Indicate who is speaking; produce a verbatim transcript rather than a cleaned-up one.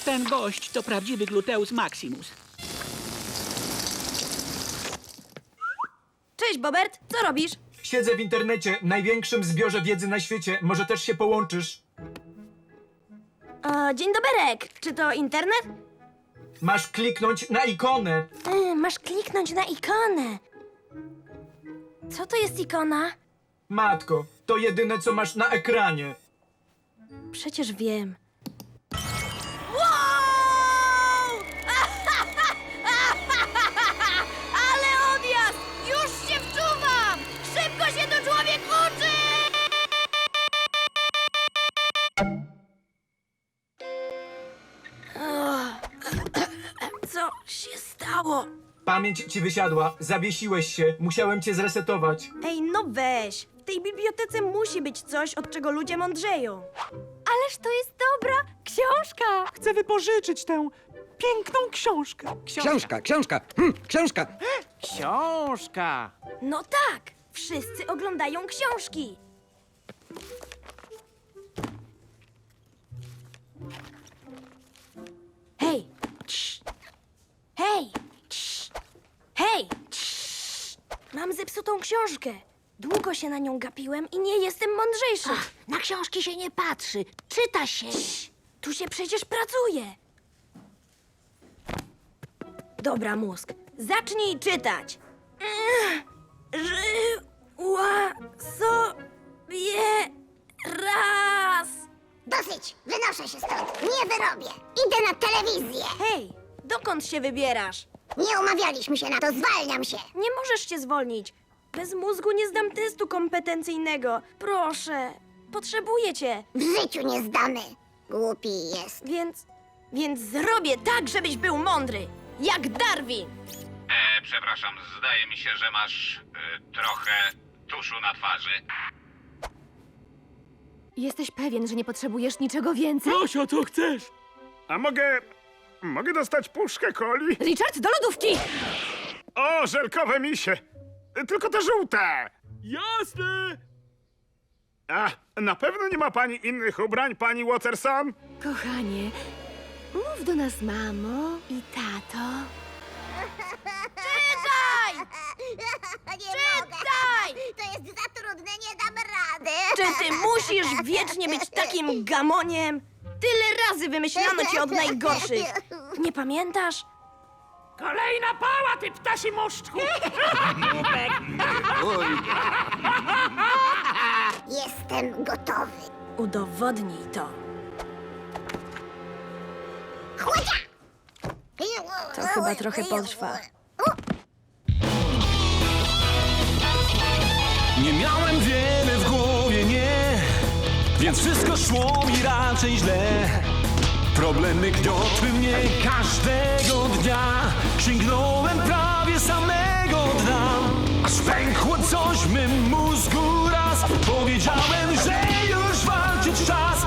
Speaker 1: Ten gość to prawdziwy gluteus maximus.
Speaker 2: Cześć, Bobert, co robisz?
Speaker 3: Siedzę w internecie, największym zbiorze wiedzy na świecie. Może też się połączysz?
Speaker 2: O, dzień doberek, czy to internet?
Speaker 3: Masz kliknąć na ikonę.
Speaker 2: E, masz kliknąć na ikonę. Co to jest ikona?
Speaker 3: Matko, to jedyne, co masz na ekranie.
Speaker 2: Przecież wiem. Wow! Ale odjazd! Już się wczuwam! Szybko się to człowiek uczy! Co się stało?
Speaker 3: Pamięć ci wysiadła, zawiesiłeś się, musiałem cię zresetować.
Speaker 2: Ej, no weź! W tej bibliotece musi być coś, od czego ludzie mądrzeją. Ależ to jest dobra książka!
Speaker 4: Chcę wypożyczyć tę piękną książkę.
Speaker 5: Książka, książka, hm, książka.
Speaker 4: Książka!
Speaker 2: No tak! Wszyscy oglądają książki. Hej! Cii. Hej! Cii. Hej! Cii. Mam zepsutą książkę. Długo się na nią gapiłem i nie jestem mądrzejszy.
Speaker 6: Na książki się nie patrzy, czyta się.
Speaker 2: Tu się przecież pracuje. Dobra, mózg. Zacznij czytać. Żyła sobie raz.
Speaker 6: Dosyć, wynoszę się stąd, nie wyrobię. Idę na telewizję.
Speaker 2: Hej, dokąd się wybierasz?
Speaker 6: Nie umawialiśmy się na to, zwalniam się.
Speaker 2: Nie możesz się zwolnić. Bez mózgu nie zdam testu kompetencyjnego. Proszę, potrzebuję cię.
Speaker 6: W życiu nie zdamy. Głupi jest.
Speaker 2: Więc, więc zrobię tak, żebyś był mądry. Jak Darwin.
Speaker 7: E, przepraszam, zdaje mi się, że masz e, trochę tuszu na twarzy.
Speaker 8: Jesteś pewien, że nie potrzebujesz niczego więcej?
Speaker 4: Zosia, co chcesz?
Speaker 9: A mogę... mogę dostać puszkę coli?
Speaker 8: Richard, do lodówki!
Speaker 9: O, żelkowe misie! Tylko te żółte!
Speaker 4: Jasne!
Speaker 9: A, na pewno nie ma pani innych ubrań, pani Watterson?
Speaker 8: Kochanie, mów do nas mamo i tato.
Speaker 2: Czytaj!
Speaker 6: Nie
Speaker 2: Czytaj!
Speaker 6: mogę. To jest za trudne, nie dam rady.
Speaker 2: Czy ty musisz wiecznie być takim gamoniem? Tyle razy wymyślano cię od najgorszych. Nie pamiętasz?
Speaker 4: Kolejna pała, ty ptasi muszczku!
Speaker 6: Jestem gotowy.
Speaker 2: Udowodnij to.
Speaker 6: Chłodzia!
Speaker 2: To chyba trochę potrwa.
Speaker 10: Nie miałem wiele w głowie, nie, więc wszystko szło mi raczej źle. Problemy gniotły mnie każdego dnia, sięgnąłem prawie samego dna. Aż pękło coś w mym mózgu raz, powiedziałem, że już walczyć czas.